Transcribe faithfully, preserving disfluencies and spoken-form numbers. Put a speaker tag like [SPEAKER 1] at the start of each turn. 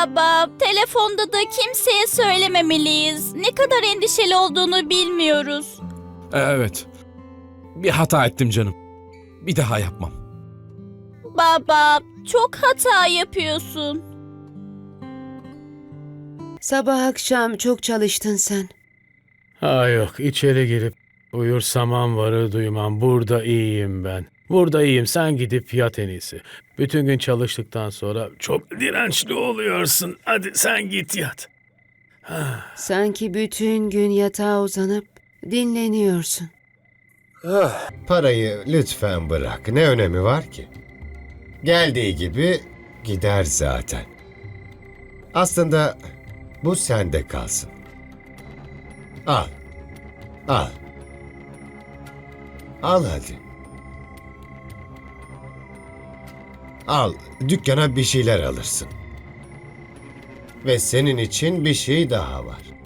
[SPEAKER 1] Baba, telefonda da kimseye söylememeliyiz. Ne kadar endişeli olduğunu bilmiyoruz.
[SPEAKER 2] Evet. Bir hata ettim canım. Bir daha yapmam.
[SPEAKER 1] Baba, çok hata yapıyorsun.
[SPEAKER 3] Sabah akşam çok çalıştın sen.
[SPEAKER 4] Ha yok, içeri girip uyursam varı duymam. Burada iyiyim ben. Burada iyiyim, sen gidip yat en iyisi. Bütün gün çalıştıktan sonra çok dirençli oluyorsun. Hadi sen git yat.
[SPEAKER 3] Sanki bütün gün yatağa uzanıp dinleniyorsun.
[SPEAKER 5] Ah, parayı lütfen bırak. Ne önemi var ki? Geldiği gibi gider zaten. Aslında bu sende kalsın. Al. Al. Al hadi. Al, dükkana bir şeyler alırsın. Ve senin için bir şey daha var.